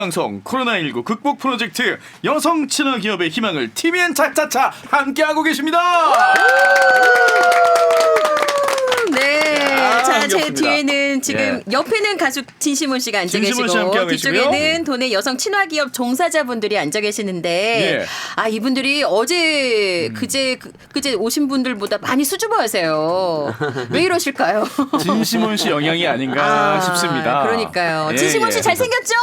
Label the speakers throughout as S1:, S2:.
S1: 방송 코로나19 극복 프로젝트 여성 친화 기업의 희망을 TVN 차차차 함께하고 계십니다.
S2: 네, 자, 제
S1: 반갑습니다.
S2: 뒤에는 지금 옆에는 가수 진시몬 씨가 앉아
S1: 진시몬 씨
S2: 계시고
S1: 함께하고
S2: 뒤쪽에는
S1: 계시고요.
S2: 도내 여성 친화 기업 종사자분들이 앉아 계시는데
S1: 예.
S2: 아 이분들이 어제 그제 오신 분들보다 많이 수줍어하세요. 왜 이러실까요?
S1: 진시몬 씨 영향이 아닌가 싶습니다.
S2: 그러니까요.
S1: 예,
S2: 진시몬 씨
S1: 예.
S2: 잘생겼죠?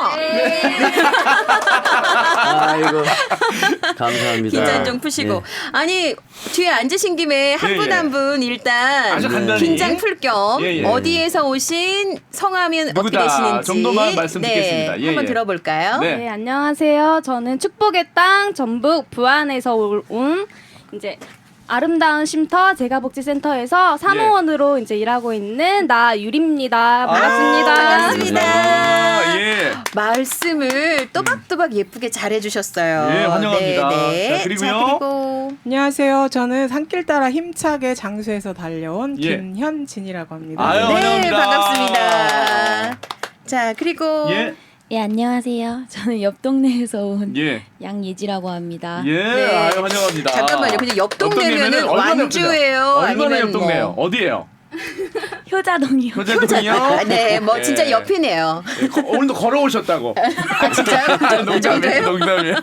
S3: 아이고 감사합니다.
S2: 긴장 좀 푸시고
S3: 네.
S2: 아니 뒤에 앉으신 김에 한
S1: 예,
S2: 분
S1: 예.
S2: 한 분 일단
S1: 아주 간단히.
S2: 긴장 풀 겸
S1: 예, 예.
S2: 어디에서 오신 성함은 어떻게
S1: 누구다
S2: 되시는지
S1: 정도만 말씀 듣겠습니다.
S2: 네,
S1: 예,
S2: 한번
S1: 예.
S2: 들어볼까요?
S1: 네.
S4: 네, 안녕하세요. 저는 축복의 땅 전북 부안에서 온 이제 아름다운 쉼터 재가복지센터에서 사무원으로 이제 일하고 있는 나유리입니다. 반갑습니다.
S2: 반갑습니다.
S1: 예.
S2: 말씀을 또박또박 예쁘게 잘해주셨어요.
S1: 예, 환영합니다.
S2: 네.
S1: 자, 그리고요.
S2: 자, 그리고
S5: 안녕하세요. 저는 산길 따라 힘차게 장수에서 달려온
S1: 예.
S5: 김현진이라고 합니다.
S1: 아유,
S2: 네,
S1: 환영합니다.
S2: 반갑습니다. 자, 그리고
S1: 예.
S6: 예, 안녕하세요. 저는 옆 동네에서 온
S1: 예.
S6: 양예지라고 합니다.
S1: 예.
S2: 네.
S1: 아유, 환영합니다.
S2: 잠깐만요. 근데 옆 동네면은
S1: 얼마나
S2: 완주예요?
S1: 얼마나
S2: 아니면
S1: 옆 동네요?
S2: 뭐.
S1: 어디예요?
S6: 효자동이요.
S1: 효자동이요?
S2: 아, 네, 뭐 진짜
S1: 예.
S2: 옆이네요.
S1: 예, 오늘도 걸어오셨다고.
S2: 아, 진짜요? 그
S1: 농담이에요,
S2: 정도예요?
S1: 농담이에요.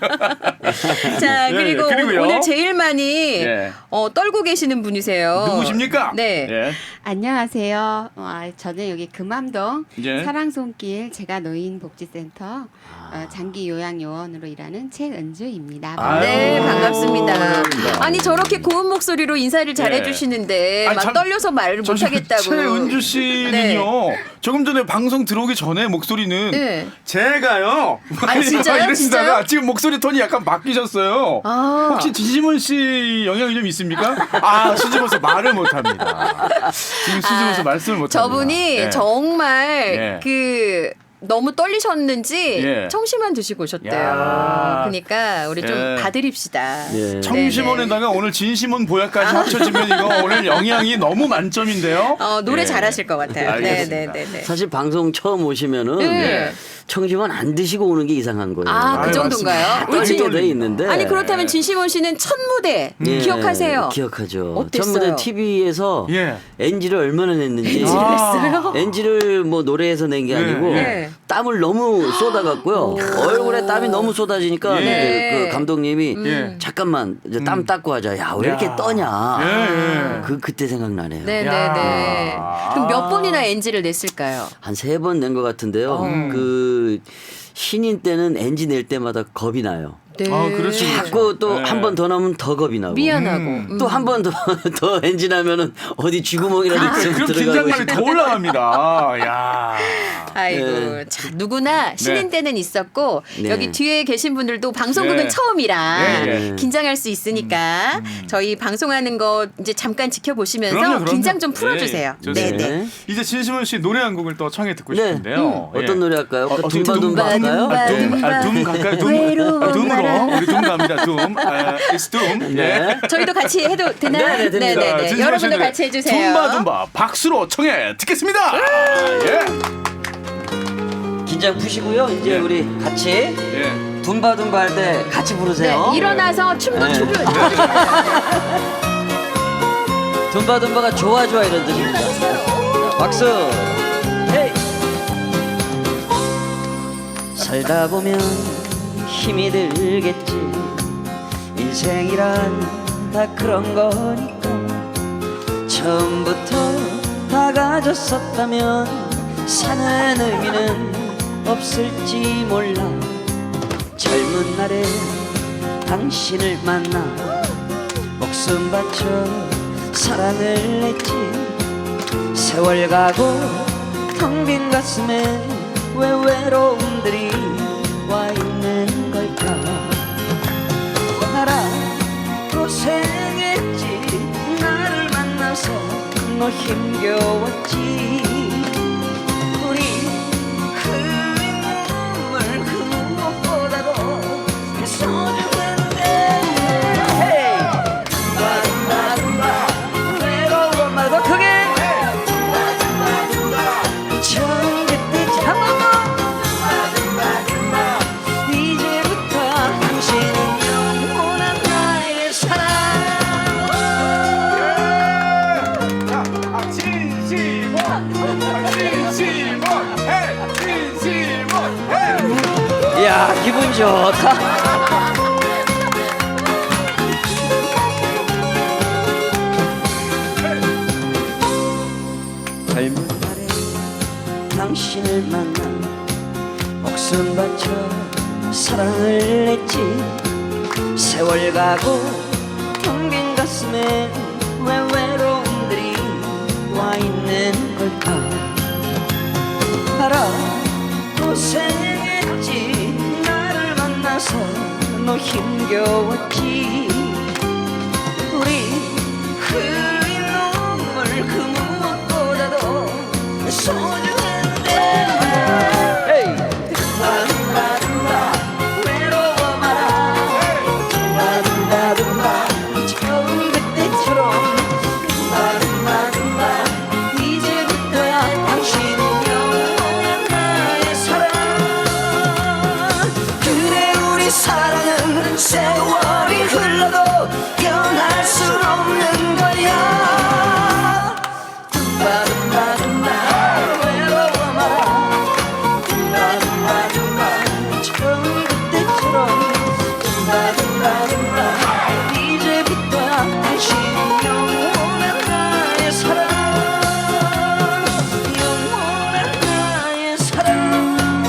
S2: 자,
S1: 예,
S2: 그리고
S1: 그리고요.
S2: 오늘 제일 많이
S1: 예.
S2: 떨고 계시는 분이세요.
S1: 누구십니까?
S2: 네.
S1: 예.
S7: 안녕하세요. 저는 여기 금암동
S1: 예.
S7: 사랑손길 제가노인복지센터 장기 요양요원으로 일하는 최은주입니다.
S1: 아유,
S2: 네, 반갑습니다.
S1: 반갑습니다.
S2: 아니 저렇게 고운 목소리로 인사를 잘해주시는데
S1: 아니,
S2: 막
S1: 참-
S2: 떨려서 말을 못하겠다고.
S1: 최은주 씨는요.
S2: 네.
S1: 조금 전에 방송 들어오기 전에 목소리는
S2: 네.
S1: 제가요.
S2: 아, 진짜요?
S1: 이러시다가
S2: 진짜요?
S1: 지금 목소리 톤이 약간 바뀌셨어요.
S2: 아.
S1: 혹시 진시몬 씨 영향이 좀 있습니까? 아, 수줍어서 말을 못합니다. 지금 수줍어서 말씀을 못합니다.
S2: 저분이
S1: 예.
S2: 정말
S1: 예.
S2: 너무 떨리셨는지
S1: 예.
S2: 청심환 드시고 오셨대요.
S1: 야.
S2: 그러니까 우리 좀
S1: 예.
S2: 봐드립시다.
S3: 예.
S1: 청시몬에다가 오늘 진시몬 보약까지 합쳐지면 이거 오늘 영향이 너무 만점인데요.
S2: 노래
S1: 예.
S2: 잘하실 것 같아요.
S1: 알겠습니다.
S2: 네.
S3: 사실 방송 처음 오시면은
S2: 네.
S3: 청심환 안 드시고 오는 게 이상한 거예요.
S2: 아, 그
S1: 아유,
S2: 정도인가요?
S1: 맞습니다.
S2: 우리
S3: 떨리게
S2: 진,
S3: 돼 있는데.
S2: 아니 그렇다면 진시몬 씨는 첫 무대
S3: 예,
S2: 기억하세요?
S3: 기억하죠.
S2: 어땠어요?
S3: 전무대 TV에서
S1: 예.
S3: NG를 얼마나 냈는지.
S1: 아.
S3: NG를 뭐 노래에서 낸 게
S1: 예,
S3: 아니고
S2: 예.
S3: 땀을 너무 쏟아갖고요. 얼굴에 땀이 너무 쏟아지니까
S2: 네.
S3: 그 감독님이
S1: 예.
S3: 잠깐만 이제 땀 닦고 하자. 야, 왜 이렇게
S1: 야.
S3: 떠냐.
S1: 예, 예.
S3: 그때 생각나네요.
S2: 네네네.
S1: 야.
S2: 그럼 몇 번이나 NG를 냈을까요?
S3: 한 3번 낸 것 같은데요. 그 신인 때는 NG 낼 때마다 겁이 나요.
S2: 네.
S1: 아, 그렇지.
S3: 자꾸 또
S1: 네.
S3: 한 번 더 나오면 더 겁이 나고.
S2: 미안하고.
S3: 또 한 번 더 엔진 하면은 어디 쥐구멍이라도 있으면
S1: 그럼
S3: 들어가고
S1: 긴장감이 더 올라갑니다. 야.
S2: 아이고,
S3: 네.
S2: 자, 누구나 신인 때는 있었고
S3: 네.
S2: 여기 뒤에 계신 분들도 방송국은
S1: 네.
S2: 처음이라
S1: 예.
S2: 긴장할 수 있으니까 저희 방송하는 거 이제 잠깐 지켜보시면서
S1: 그럼요.
S2: 긴장 좀 풀어주세요.
S1: 예, 좋습니다.
S2: 네네.
S1: 이제 진시몬 씨 노래 한 곡을 또 청해 듣고
S3: 네.
S1: 싶은데요. 예.
S3: 어떤 노래 할까요?
S1: 어떻게
S3: 둠바둠바 할까요?
S1: 둠 갈까요? 둠.
S2: 외로운
S1: 둠으로
S2: 바람.
S1: 우리 둠 갑니다. 둠. It's 둠.
S3: 네.
S2: 저희도 같이 해도 되나요?
S3: 네, 네, 됩니다.
S2: 네네네.
S1: 진시몬
S2: 여러분도
S1: 씨의
S2: 같이 해주세요.
S1: 둠바둠바 박수로 청해 듣겠습니다. 예.
S3: 긴장 푸시고요. 이제
S1: 예.
S3: 우리 같이
S1: 예.
S3: 둠바둠바 할 때 같이 부르세요.
S2: 네, 일어나서 춤도
S3: 네.
S2: 추고요.
S3: 둠바둠바가 좋아 이런 뜻입니다. 자, 박수. 헤이. 살다 보면 힘이 들겠지. 인생이란 다 그런 거니까. 처음부터 다 가졌었다면 사는 의미는 없을지 몰라. 젊은 날에 당신을 만나 목숨 바쳐 사랑을 했지. 세월 가고 텅 빈 가슴에 왜 외로움들이 와 있는 걸까. 나라 고생했지. 나를 만나서 너 힘겨웠지. 우리 흘린 눈물 그 무엇보다도 소중한데. 헤이. 둠바둠바 외로운 것 말고 크게 처음 그때 한번 더. 야, 기분 좋다. 당신을 만나 목숨 바쳐 사랑을 했지. 세월 가고 텅빈 가슴에 왜 외로움들이 와 있는 걸까. 알아 고생했지. 나를 만나서 너 힘겨웠지. 우리 흘린 눈물 그 무엇보다도 소중한데. 헤이 둠바둠바둠바 외로워 마라. 둠바둠바둠바 처음 그때처럼. 둠바둠바둠바 이제부터야 당신은 영원한 나의 사랑. 그래 우리 사랑은 세월이 흘러도 변할 수 없는 거야. 둠바둠바둠바 외로워 마라. 둠바둠바둠바 처음 그때처럼. 둠바둠바둠바 이제부터야 당신은 영원한 나의 사랑. 영원한 나의 사랑.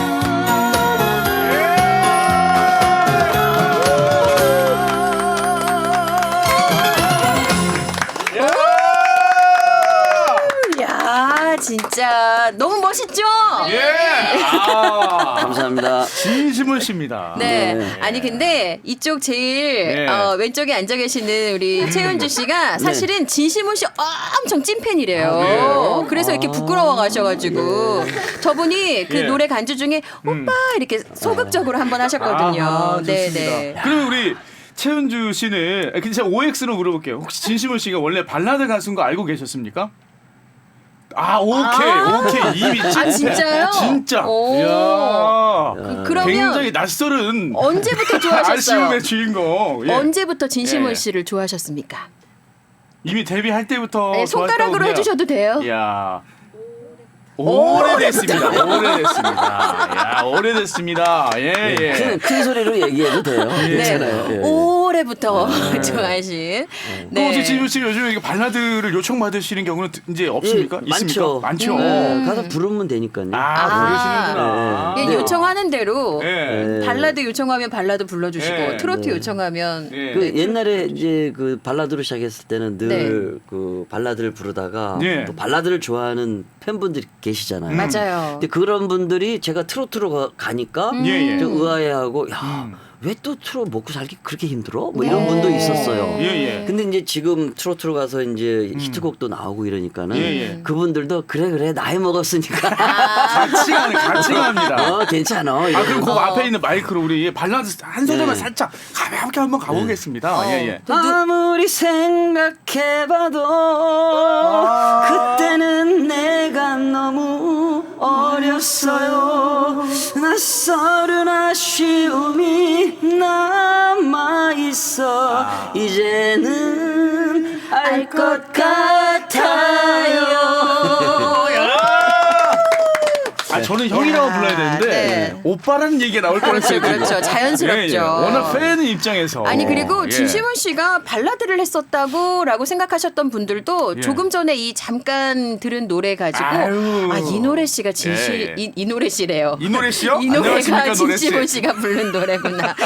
S2: 야, 진짜 너무 멋있죠?
S1: 예. 아,
S3: 감사합니다.
S1: 진심은 씨입니다.
S2: 네.
S3: 네.
S2: 아니 근데 이쪽 제일
S1: 네.
S2: 왼쪽에 앉아 계시는 우리 최은주 씨가 사실은 진심훈 씨 엄청 찐팬이래요.
S1: 아, 그래요?
S2: 그래서 이렇게 부끄러워 가셔가지고 저분이 그
S1: 예.
S2: 노래 간주 중에 오빠 이렇게 소극적으로 한번 하셨거든요.
S1: 아하,
S2: 네,
S1: 좋습니다.
S2: 네.
S1: 그러면 우리 최은주 씨는 근데 제가 OX로 물어볼게요. 혹시 진심훈 씨가 원래 발라드 가수인 거 알고 계셨습니까? 아, 오케이. 이미 찐.
S2: 진짜요?
S1: 진짜.
S2: 오.
S1: 이야.
S2: 그러면
S1: 굉장히 낯설은
S2: 언제부터 좋아하셨어요?
S1: 아쉬움의 주인공. 예.
S2: 언제부터 진심훈
S1: 예.
S2: 씨를 좋아하셨습니까?
S1: 이미 데뷔할 때부터
S2: 네, 손가락으로
S1: 좋았다고
S2: 해주셔도 돼요.
S1: 이야. 오래됐습니다. 야, 오래됐습니다. 예, 예.
S3: 큰 소리로 얘기해도 돼요.
S2: 네.
S3: 괜찮아요. 예.
S2: 올해부터 좋아하신.
S1: 또 혹시 진우 씨 요즘 이렇게 발라드를 요청 받으시는 경우는 이제 없습니까?
S3: 예,
S1: 있습니까? 많죠.
S3: 네, 가서 부르면 되니까요.
S1: 부르시는구나.
S2: 예, 요청하는 대로
S1: 예.
S2: 발라드 요청하면 발라드 불러주시고
S1: 예.
S2: 트로트 요청하면
S1: 예.
S3: 그 옛날에 이제 그 발라드로 시작했을 때는 늘
S2: 네.
S3: 그 발라드를 부르다가
S1: 예.
S3: 또 발라드를 좋아하는 팬분들이 계시잖아요.
S2: 맞아요.
S3: 근데 그런 분들이 제가 트로트로 가니까
S1: 예, 예.
S3: 좀 의아해하고 야, 왜 또 트로트 먹고 살기 그렇게 힘들어? 뭐 이런 분도 있었어요.
S1: 예, 예.
S3: 근데 이제 지금 트로트로 가서 이제 히트곡도 나오고 이러니까는
S1: 예, 예.
S3: 그분들도 그래 나이 먹었으니까
S1: 같이 갑니다.
S3: 괜찮아.
S1: 그럼 그 앞에 있는 마이크로 우리 발라드 한 소절만
S3: 네.
S1: 살짝 가볍게 한번 가보겠습니다. 예, 예.
S3: 아무리 생각해봐도 그때는 내가 너무 어렸어요. 낯설은 아쉬움이 남아있어. 이제는 알 것 같아요.
S1: 저는 형이라고 불러야 되는데
S2: 네.
S1: 오빠라는 얘기가 나올 뻔했어요.
S2: 그렇죠. 자연스럽죠.
S1: 예, 예. 워낙 팬 입장에서.
S2: 아니 그리고
S1: 예.
S2: 진심훈 씨가 발라드를 했었다고라고 생각하셨던 분들도
S1: 예.
S2: 조금 전에 이 잠깐 들은 노래 가지고
S1: 아유.
S2: 이 노래 씨가
S1: 예, 예.
S2: 이 노래 씨래요.
S1: 이 노래 씨요?
S2: 이 노래가
S1: 안녕하십니까, 노래 씨.
S2: 진심훈 씨가 부른 노래구나.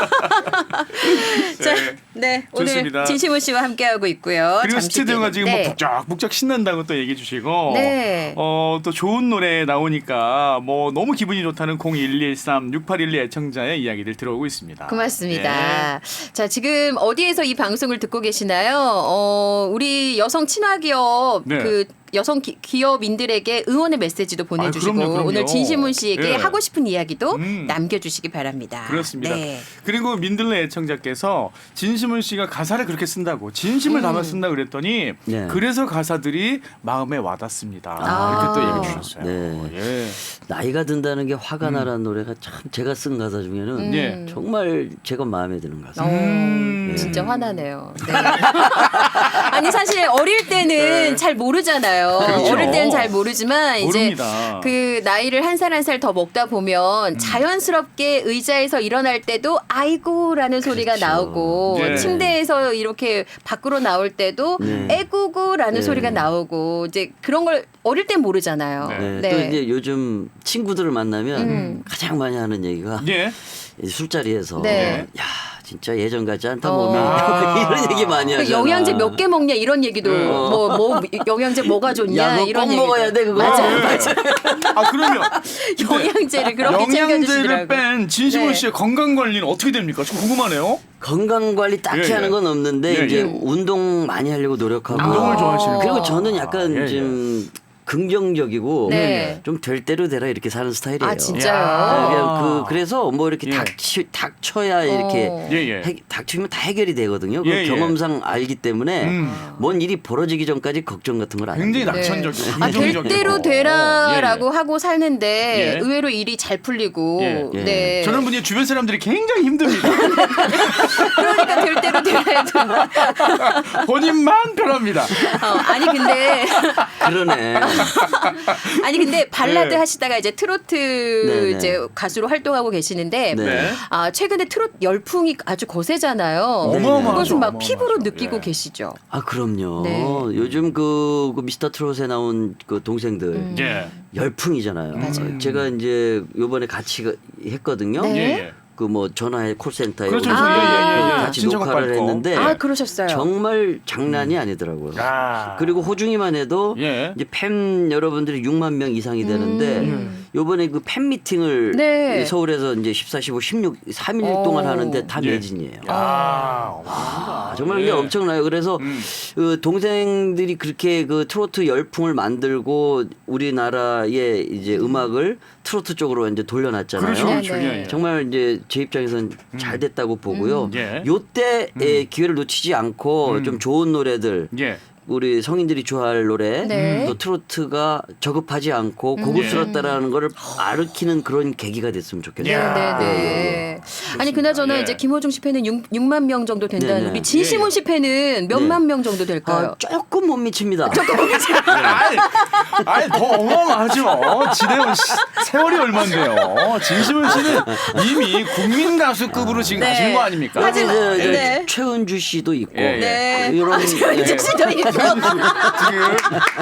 S2: 자, 네
S1: 좋습니다.
S2: 오늘 진심훈 씨와 함께하고 있고요.
S1: 그리고
S2: 잠시
S1: 스튜디오가
S2: 뒤에는.
S1: 지금
S2: 네.
S1: 뭐 북적북적 신난다고 또 얘기해 주시고
S2: 네.
S1: 또 좋은 노래 나오니까 뭐 너무 기분이 좋다는 0113-6812 애청자의 이야기들 들어오고 있습니다.
S2: 고맙습니다. 자, 지금 어디에서 이 방송을 듣고 계시나요? 우리 여성 친화기업
S1: 네.
S2: 그 여성 기업인들에게 응원의 메시지도 보내주시고
S1: 그럼요.
S2: 오늘 진심훈 씨에게
S1: 예.
S2: 하고 싶은 이야기도
S1: 음.
S2: 남겨주시기 바랍니다.
S1: 그렇습니다.
S2: 네.
S1: 그리고 민들레 애청자께서 진심훈 씨가 가사를 그렇게 쓴다고 진심을 담아 쓴다 그랬더니
S3: 네.
S1: 그래서 가사들이 마음에 와닿습니다.
S2: 아.
S1: 이렇게 또 얘기해 주셨어요.
S3: 네.
S1: 예.
S3: 나이가 든다는 게 화가 나라는 노래가 참 제가 쓴 가사 중에는
S1: 예.
S3: 정말 제가 마음에 드는 가사.
S2: 진짜 화나네요. 네. 아니 사실 어릴 때는
S1: 네.
S2: 잘 모르잖아요.
S1: 그렇죠.
S2: 어릴 때는 잘 모르지만 이제
S1: 모릅니다.
S2: 그 나이를 한 살 한 살 더 먹다 보면 자연스럽게 의자에서 일어날 때도 아이고라는 소리가
S3: 그렇죠.
S2: 나오고
S1: 네.
S2: 침대에서 이렇게 밖으로 나올 때도
S3: 네.
S2: 애구구라는
S3: 네.
S2: 소리가 나오고 이제 그런 걸 어릴 땐 모르잖아요.
S1: 네.
S3: 네.
S2: 네.
S3: 또 이제 요즘 친구들을 만나면 가장 많이 하는 얘기가
S1: 예.
S3: 술자리에서
S2: 네.
S3: 야 진짜 예전 같지 않다
S2: 어.
S3: 몸이 이런 얘기 많이
S2: 그
S3: 하잖아.
S2: 영양제 몇 개 먹냐 이런 얘기도 뭐 영양제 뭐가 좋냐
S3: 야, 너
S2: 이런
S3: 꼭
S2: 얘기도.
S3: 먹어야 돼 그거.
S2: 맞아요.
S1: 아 그러면
S2: 영양제를 그렇게
S1: 영양제를
S2: 챙겨주시더라고요.
S1: 뺀 진심원
S2: 네.
S1: 씨의 건강 관리는 어떻게 됩니까? 좀 궁금하네요.
S3: 건강 관리 딱히
S1: 예, 예.
S3: 하는 건 없는데
S1: 예,
S3: 이제
S1: 예.
S3: 운동 많이 하려고 노력하고.
S1: 운동을 좋아하시는
S3: 그리고
S1: 거구나.
S3: 저는 약간
S1: 예, 예.
S3: 좀 긍정적이고
S2: 네.
S3: 좀 될 대로 되라 이렇게 사는 스타일이에요.
S2: 아 진짜요?
S1: 야.
S3: 그냥 그래서 뭐 이렇게
S1: 예.
S3: 닥쳐야 이렇게
S1: 예, 예.
S3: 닥치면 다 해결이 되거든요. 그
S1: 예, 예.
S3: 경험상 알기 때문에
S1: 음.
S3: 뭔 일이 벌어지기 전까지 걱정 같은 걸 안
S1: 굉장히
S3: 합니다.
S1: 낙천적이고
S2: 아, 될
S1: 긍정적이고.
S2: 대로 되라라고 하고 살는데
S1: 예.
S2: 의외로 일이 잘 풀리고
S1: 예.
S3: 예.
S2: 네.
S1: 저는 분이 주변 사람들이 굉장히 힘듭니다.
S2: 그러니까 될 대로 되라 해도
S1: 본인만 편합니다.
S2: 아니 근데
S3: 그러네.
S2: 아니 근데 발라드
S1: 네.
S2: 하시다가 이제 트로트
S3: 네, 네.
S2: 이제 가수로 활동하고 계시는데
S3: 네.
S2: 아 최근에 트로트 열풍이 아주 거세잖아요.
S1: 어마어마하죠.
S2: 그것은 막
S1: 어마어마하죠.
S2: 피부로 느끼고
S1: 예.
S2: 계시죠.
S3: 아 그럼요.
S2: 네.
S3: 요즘 그 미스터 트롯에 나온 그 동생들
S1: 예.
S3: 열풍이잖아요.
S2: 맞아요.
S3: 제가 이제 요번에 같이 했거든요.
S2: 네.
S1: 예, 예.
S3: 그 뭐 전화해 콜센터에
S1: 그렇죠.
S3: 오셔서
S2: 예, 예, 예, 예.
S3: 같이
S1: 신청곡
S3: 녹화를
S1: 받고.
S3: 했는데
S1: 예.
S2: 아 그러셨어요.
S3: 정말 장난이 아니더라고요.
S1: 아.
S3: 그리고 호중이만 해도
S1: 예.
S3: 이제 팬 여러분들이 6만 명 이상이 되는데 요번에 그 팬 미팅을
S2: 네.
S3: 서울에서 이제 14, 15, 16 3일
S2: 어.
S3: 동안 하는데 다
S1: 예.
S3: 매진이에요.
S1: 야, 어마어마하다.
S3: 정말
S1: 예.
S3: 그게 엄청나요. 그래서 그 동생들이 그렇게 그 트로트 열풍을 만들고 우리나라의 이제 음악을 트로트 쪽으로 이제 돌려놨잖아요.
S1: 그렇죠, 그렇죠.
S2: 네, 네.
S1: 예, 예.
S3: 정말 이제 제 입장에서는 잘 됐다고 보고요.
S1: 예.
S3: 요때의 기회를 놓치지 않고 좀 좋은 노래들
S1: 예.
S3: 우리 성인들이 좋아할 노래
S2: 네.
S3: 또 트로트가 저급하지 않고 고급스럽다라는 거를 아르키는 그런 계기가 됐으면 좋겠어요.
S1: 야.
S2: 네네네. 아니 그나저나
S1: 예.
S2: 이제 김호중 씨 팬은 6만 명 정도 된다는
S3: 네네.
S2: 우리 진심원 씨 팬은 몇만 명 정도 될까요?
S3: 조금 못 미칩니다.
S1: 아니 더 어마어마하죠. 지대원 씨 세월이 얼마인데요. 진심원 씨는 이미 국민 가수급으로 지금
S2: 네.
S1: 가시는 거 아닙니까?
S2: 하지만-
S3: 이제
S2: 네.
S3: 최은주 씨도 있고
S1: 예, 예.
S2: 네.
S3: 이런
S2: 이제 진짜 있고.
S1: 지금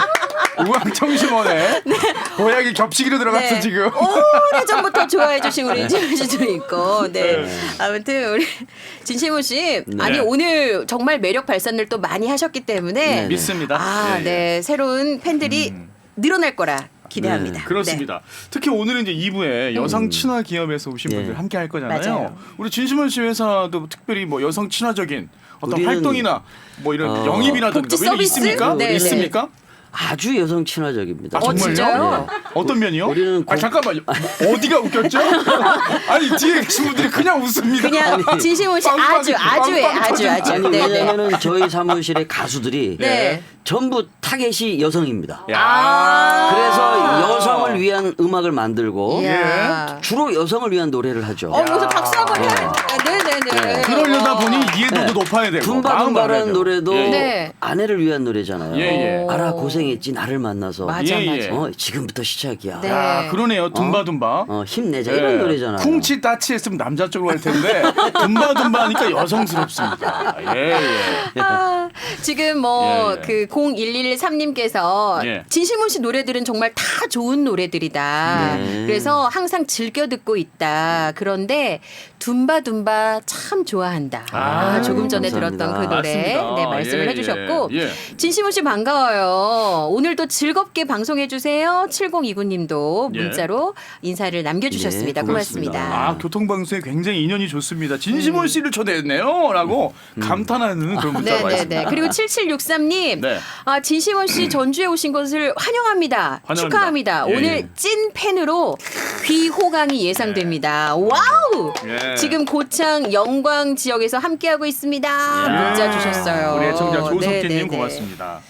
S1: 우왕청심원에 보약이 겹치기로 들어갔어
S2: 네.
S1: 지금.
S2: 오래 전부터 좋아해 주신 우리 진심원 씨도 있고. 네. 아무튼 우리 진심원 씨 아니 오늘 정말 매력 발산을 또 많이 하셨기 때문에
S3: 네.
S1: 믿습니다.
S2: 아,
S1: 예, 예.
S2: 네. 새로운 팬들이 늘어날 거라 기대합니다.
S1: 네, 그렇습니다. 특히 오늘은 이제 2부에 여성 친화 기업에서 오신
S3: 네.
S1: 분들 함께 할 거잖아요.
S2: 맞아요.
S1: 우리 진심원 씨 회사도 특별히 뭐 여성 친화적인 어떤
S3: 우리는-
S1: 활동이나 뭐 이런
S3: 어,
S1: 영입이라든가
S2: 복지
S1: 뭐 이런 게
S2: 서비스?
S1: 있습니까?
S2: 네,
S1: 있습니까?
S3: 아주 여성 친화적입니다.
S1: 아, 정말요?
S2: 진짜요?
S1: 네. 어떤 면이요?
S3: 우리는
S1: 아 잠깐만요. 어디가 웃겼죠? 아니 뒤에 계신 분들이 그냥 웃습니다.
S2: 그냥 진심원 씨
S1: 빵빵,
S2: 아주 아주해
S1: 빵빵
S2: 아주 아주.
S3: 아니
S2: 네, 네.
S3: 왜냐면은 저희 사무실의 가수들이
S2: 네.
S3: 전부 타겟이 여성입니다.
S1: 야.
S2: 아.
S3: 그래서 여성을 위한 음악을 만들고
S2: 이야.
S3: 주로 여성을 위한 노래를 하죠.
S2: 무슨 박수 한번 해야 네네네.
S1: 그러려다 보니 이해도도 높아야 되고 마음 알아야
S3: 둠바둠바라는
S1: 되고.
S3: 노래도
S1: 예, 예.
S2: 네.
S3: 아내를 위한 노래잖아요.
S1: 예, 예.
S3: 알아 고생했지 나를 만나서.
S2: 맞아
S1: 예,
S2: 맞아.
S1: 예.
S3: 지금부터 시작이야.
S2: 네.
S1: 야, 그러네요. 둠바둠바.
S3: 힘내자 이런 노래잖아요.
S1: 쿵치 따치 했으면 남자 쪽으로 할 텐데 둠바둠바 하니까 여성스럽습니다. 예, 예.
S2: 아, 지금 뭐
S1: 예, 예.
S2: 그 0113님께서
S1: 예.
S2: 진심원 씨 노래들은 정말 다 좋은 노래들이다.
S3: 네.
S2: 그래서 항상 즐겨 듣고 있다. 그런데 둠바둠바 참 좋아한다.
S1: 아,
S2: 조금 전에
S3: 감사합니다.
S2: 들었던 그 노래
S1: 맞습니다.
S2: 네, 말씀을
S1: 예,
S2: 해주셨고
S1: 예, 예.
S2: 진심원 씨 반가워요. 오늘도 즐겁게 방송해 주세요. 7029님도
S1: 예.
S2: 문자로 인사를 남겨주셨습니다.
S3: 네,
S2: 고맙습니다.
S1: 아 교통방송에 굉장히 인연이 좋습니다. 진심원 씨를 초대했네요.라고 감탄하는 그런 문자가
S2: 네네네.
S1: 있습니다.
S2: 그리고 7763님,
S1: 네.
S2: 아 진심원 씨 전주에 오신 것을 환영합니다.
S1: 환영합니다.
S2: 축하합니다.
S1: 예,
S2: 오늘
S1: 예.
S2: 찐 팬으로 귀호강이 예상됩니다. 와우!
S1: 예.
S2: 지금 고창 영광 지역에서 함께하고 있습니다. 문자 주셨어요.
S1: 우리 애청자 조석진님
S2: 네네네.
S1: 고맙습니다.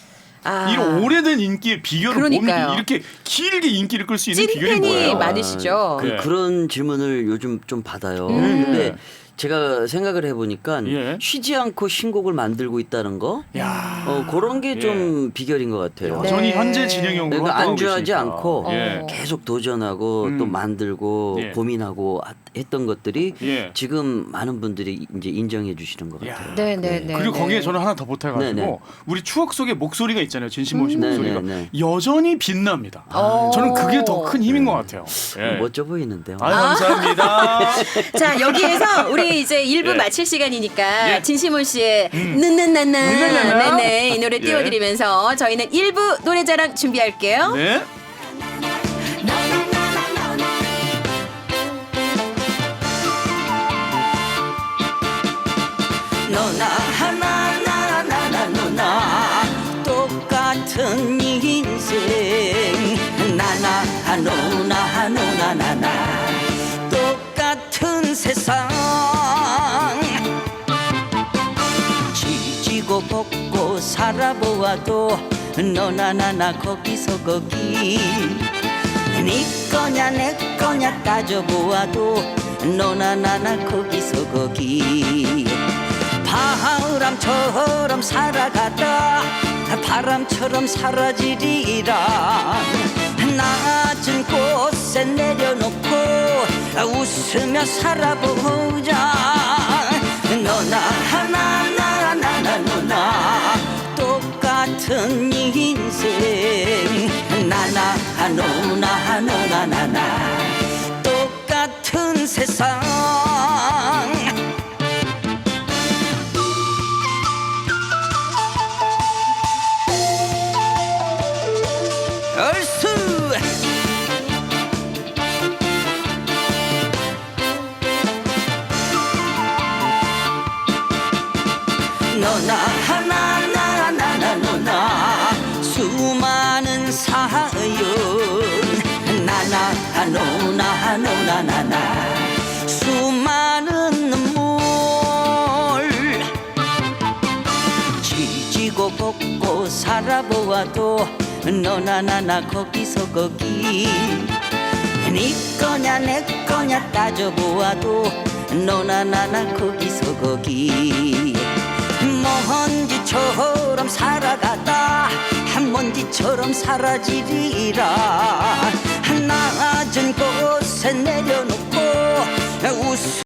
S2: 아.
S1: 이런 오래된 인기의 비결은
S2: 그러니까요.
S1: 뭡니까? 이렇게 길게 인기를 끌 수 있는 비결이
S2: 찐팬이
S1: 뭐예요?
S2: 많으시죠.
S1: 네.
S3: 그런 질문을 요즘 좀 받아요. 근데 제가 생각을 해보니까
S1: 예.
S3: 쉬지 않고 신곡을 만들고 있다는 거,
S1: 야.
S3: 그런 게 좀 비결인 것 같아요.
S1: 여전히
S2: 네.
S1: 현재 진영형으로
S3: 그러니까
S1: 활동하고
S3: 안주하지
S1: 계시니까.
S3: 않고
S1: 예.
S3: 계속 도전하고 또 만들고
S1: 예.
S3: 고민하고 했던 것들이
S1: 예.
S3: 지금 많은 분들이 이제 인정해 주시는 것
S1: 야.
S3: 같아요.
S2: 네네네.
S1: 그리고 거기에 저는 하나 더 보태가지고
S3: 네네.
S1: 우리 추억 속의 목소리가 있잖아요. 진심모 씨 목소리가
S3: 네네네.
S1: 여전히 빛납니다.
S2: 어.
S1: 저는 그게 더 큰 힘인 것 같아요. 예.
S3: 멋져 보이는데요.
S1: 아유, 감사합니다.
S2: 자 여기에서 우리 이제 1부
S1: 예.
S2: 마칠 시간이니까
S1: 예.
S2: 진시몬 씨의
S1: 느느느느.
S2: 네네 이 노래
S1: 예.
S2: 띄워드리면서 저희는 1부 노래자랑 준비할게요.
S1: 네.
S3: 너나 하나 나나 너나 똑같은 인생 나나 너나 너나 나나 똑같은 세상 지지고 볶고 살아보아도 너나 나나 거기서 거기 네 거냐 내 거냐 따져보아도 너나 나나 거기서 거기 바람처럼 살아가다 바람처럼 사라지리라 낮은 곳에 내려놓고 웃으며 살아보자 너나 하나 나나 너나 똑같은 인생 나나 너나 너나 나나 똑같은 세상 얼쑤 너나 하나 나나 너나 수많은 사연 나나 너나 너나 나나 수많은 눈물 지지고 볶고 살아보아도 너나 나나 거기서 거기 네 거냐 내 거냐 따져보아도 너나 나나 거기서 거기 먼지처럼 살아가다 한 먼지처럼 사라지리라 낮은 곳에 내려놓고 웃